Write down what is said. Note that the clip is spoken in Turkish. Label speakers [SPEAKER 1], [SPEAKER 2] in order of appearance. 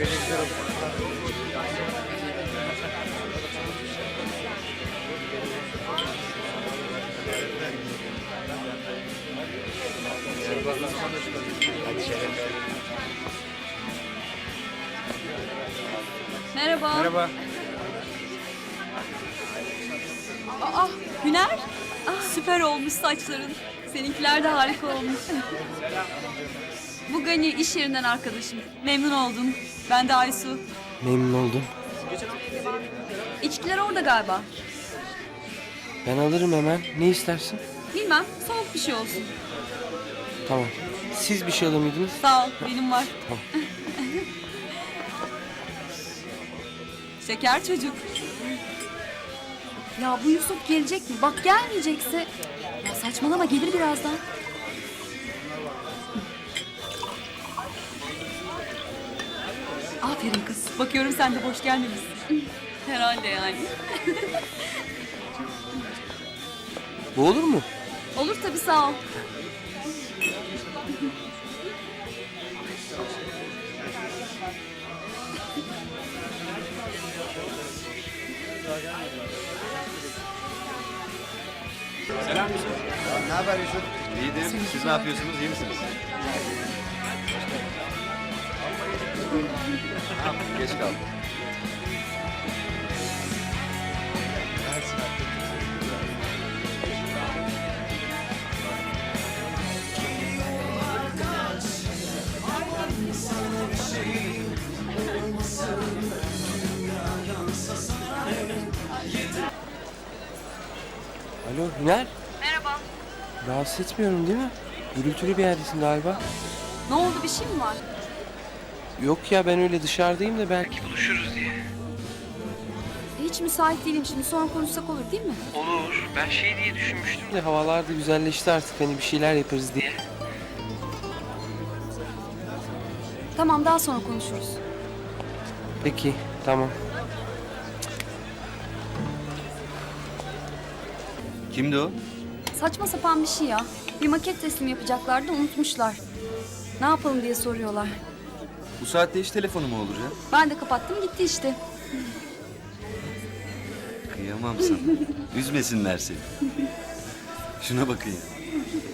[SPEAKER 1] Merhaba.
[SPEAKER 2] Merhaba.
[SPEAKER 1] Aa, Güner. Süper olmuş saçların. Seninkiler de harika olmuş. Bu Gani iş yerinden arkadaşım. Memnun oldum. Ben de Aysu.
[SPEAKER 3] Memnun oldum.
[SPEAKER 1] İçkiler orada galiba.
[SPEAKER 3] Ben alırım hemen. Ne istersin?
[SPEAKER 1] Bilmem, soğuk bir şey olsun.
[SPEAKER 3] Tamam. Siz bir şey alır mıydınız?
[SPEAKER 1] Sağ ol, benim var.
[SPEAKER 3] Tamam.
[SPEAKER 1] Şeker çocuk. Ya bu Yusuf gelecek mi? Bak gelmeyecekse... Ya saçmalama, gelir birazdan. Aferin kız. Bakıyorum sen de boş gelmemişsin. Herhalde yani.
[SPEAKER 3] Bu olur mu?
[SPEAKER 1] Olur tabii, sağ ol.
[SPEAKER 2] Selam Yusuf.
[SPEAKER 4] Ne haber Yusuf?
[SPEAKER 2] İyidir. Siz ne yapıyorsunuz? İyi misiniz? Geç kaldım.
[SPEAKER 3] Alo Hüner.
[SPEAKER 1] Merhaba.
[SPEAKER 3] Rahatsız etmiyorum değil mi? Gürültülü bir yerdesin galiba.
[SPEAKER 1] Ne oldu, bir şey mi var?
[SPEAKER 3] Yok ya, ben öyle dışarıdayım da belki buluşuruz diye.
[SPEAKER 1] Hiç müsait değilim şimdi, sonra konuşsak olur değil mi?
[SPEAKER 3] Olur. Ben şey diye düşünmüştüm de havalar da güzelleşti artık, hani bir şeyler yaparız diye.
[SPEAKER 1] Tamam, daha sonra konuşuruz.
[SPEAKER 3] Peki tamam.
[SPEAKER 2] Kimdi o?
[SPEAKER 1] Saçma sapan bir şey ya. Bir maket teslim yapacaklardı, unutmuşlar. Ne yapalım diye soruyorlar.
[SPEAKER 2] Bu saatte hiç telefonu mu olur ya?
[SPEAKER 1] Ben de kapattım, gitti işte.
[SPEAKER 2] Kıyamam sana. Üzmesinler seni. Şuna bakın ya.